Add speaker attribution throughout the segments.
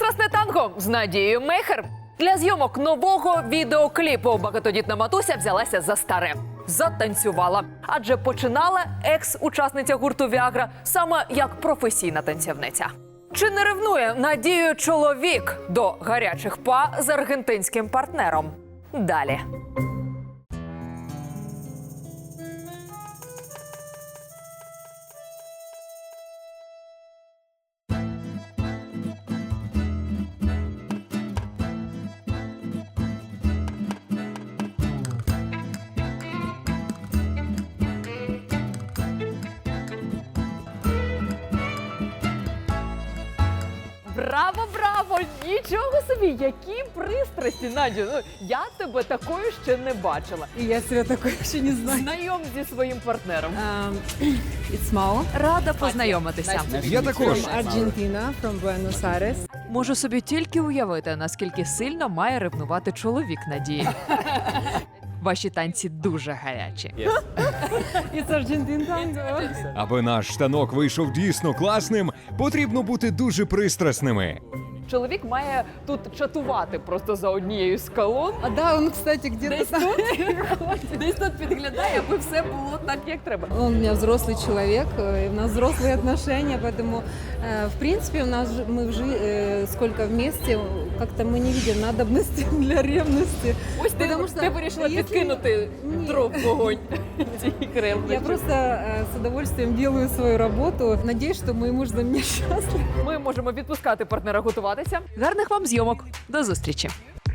Speaker 1: Сучасне танго з Надією Мейхер. Для зйомок нового відеокліпу багатодітна матуся взялася за старе. Затанцювала. Адже починала екс-учасниця гурту «Віагра» саме як професійна танцівниця. Чи не ревнує Надію чоловік до гарячих па з аргентинським партнером? Далі. Браво, браво! Нічого собі, які пристрасті, Надю. Ну, я тебе такою ще не бачила.
Speaker 2: И я себя такой еще не знаю.
Speaker 1: Знайом зі своїм партнером.
Speaker 2: It's Mao.
Speaker 1: Рада познайомитися.
Speaker 3: Я також.
Speaker 2: From Argentina, from Buenos Aires.
Speaker 1: Можу собі тільки уявити, наскільки сильно має ревнувати чоловік Надії. Ваші танці дуже гарячі.
Speaker 2: It's Argentine tango.
Speaker 3: Аби наш штанок вийшов дійсно класним, потрібно бути дуже пристрасними.
Speaker 1: Чоловік має тут чатувати просто за однією з колон.
Speaker 2: А да, он, кстати, где-то там.
Speaker 1: Десь тут підглядає, аби все було так, як треба.
Speaker 2: Он у меня взрослый человек, и у нас взрослые отношения, поэтому, в принципе, у нас сколько вместе, как-то мы не видим надобности для ревности.
Speaker 1: Ось ти,
Speaker 2: Потому що
Speaker 1: ти вирішила
Speaker 2: якщо-
Speaker 1: підкинути
Speaker 2: Ні.
Speaker 1: дров в вогонь цієї ревності.
Speaker 2: Я просто с удовольствием делаю свою работу. Надеюсь, что мой муж за меня счастлив.
Speaker 1: Ми можемо відпускати партнера готуватися. Гарних вам зйомок. До зустрічі.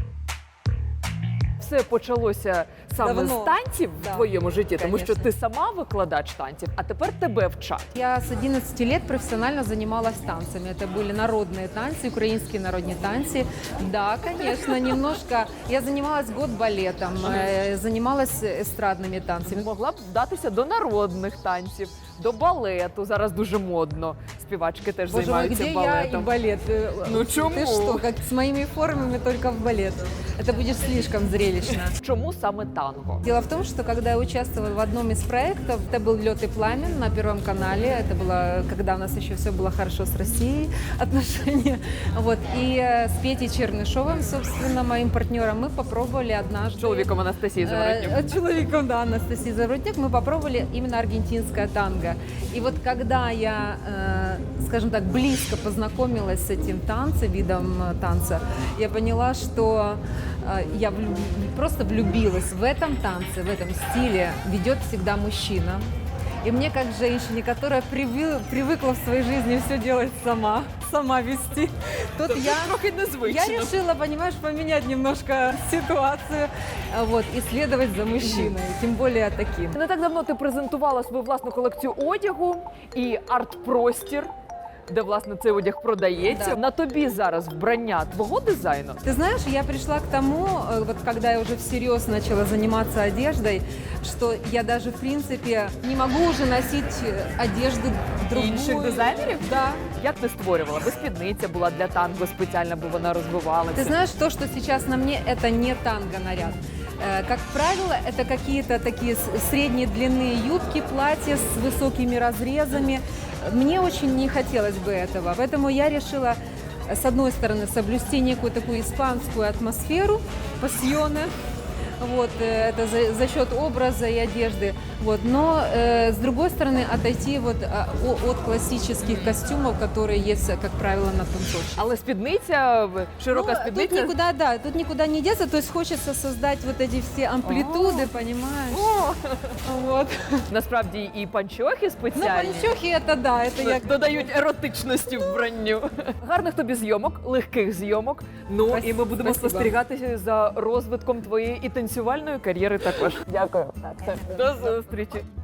Speaker 1: Все почалося саме
Speaker 2: Давно.
Speaker 1: з танців в
Speaker 2: Да,
Speaker 1: твоєму житті, тому що
Speaker 2: конечно.
Speaker 1: ти сама викладач танців, а тепер тебе вчать.
Speaker 2: Я с 11 лет профессионально занималась танцами. Это были народные танцы, украинские народные танцы. Да, конечно, немножко. Я занималась год балетом, занималась эстрадными танцами.
Speaker 1: Могла б вдатися до народних танців, до балету. Зараз дуже модно. Співачки теж
Speaker 2: Боже мой,
Speaker 1: займаються
Speaker 2: где я и
Speaker 1: балетом.
Speaker 2: балет?
Speaker 1: Ну, чему?
Speaker 2: Ты что, как с моими формами только в балет. Это будет слишком зрелищно.
Speaker 1: Чому саме танго?
Speaker 2: Дело в том, что когда я участвовала в одном из проектов, это был «Лед и пламен» на Первом канале. Это было, когда у нас еще все было хорошо с Россией, отношения. Вот. И с Петей Чернышовым, собственно, моим партнером, мы попробовали однажды...
Speaker 1: Чоловіком Анастасії Заворотнюк.
Speaker 2: Человеком, да, Анастасии Заворотнюк, мы попробовали именно аргентинское танго. И вот когда я, скажем так, близко познакомилась с этим танцем, видом танца, я поняла, что я просто влюбилась в этом танце, в этом стиле. Ведет всегда мужчина. И мне, как женщине, которая привыкла в своей жизни все делать сама вести, тут я...
Speaker 1: Трохи незвично.
Speaker 2: Я решила, понимаешь, поменять немножко ситуацию, вот, и следовать за мужчиной, тем более таким.
Speaker 1: Не так давно ти презентувала свою власну колекцію одягу і арт-простір, де, власне, цей одяг продається.
Speaker 2: Да.
Speaker 1: На тобі зараз вбрання твого дизайну.
Speaker 2: Ты знаешь, я пришла к тому, вот когда я уже всерьез начала заниматься одеждой, что я даже, в принципе, не могу уже носить одежду другую.
Speaker 1: Інших дизайнерів?
Speaker 2: Да.
Speaker 1: Як ти створювала? Бо спідниця була для танго спеціальна, бо вона розвивалася.
Speaker 2: Ты знаешь, то, что сейчас на мне, это не танго-наряд. Как правило, это какие-то такие средней длины юбки, платья с высокими разрезами. Мне очень не хотелось бы этого, поэтому я решила, с одной стороны, соблюсти некую такую испанскую атмосферу, пассионе, вот, это за счет образа и одежды, вот, но с другой стороны отойти вот от классических костюмов, которые есть, как правило, на танцовщине.
Speaker 1: Але спідниця, широка спідниця.
Speaker 2: Тут никуда не деться, то есть хочется создать вот эти все амплитуды, понимаешь? Вот.
Speaker 1: Насправді і панчохи
Speaker 2: Ну,
Speaker 1: спеціальні.
Speaker 2: панчохи это да, это я...
Speaker 1: Додають еротичності вбранню. Гарних тобі зйомок, легких зйомок. Ну
Speaker 2: Спасибо.
Speaker 1: і ми будемо
Speaker 2: Спасибо.
Speaker 1: спостерігати за розвитком твоєї і танцювальної кар'єри також. Дякую. До зустрічі.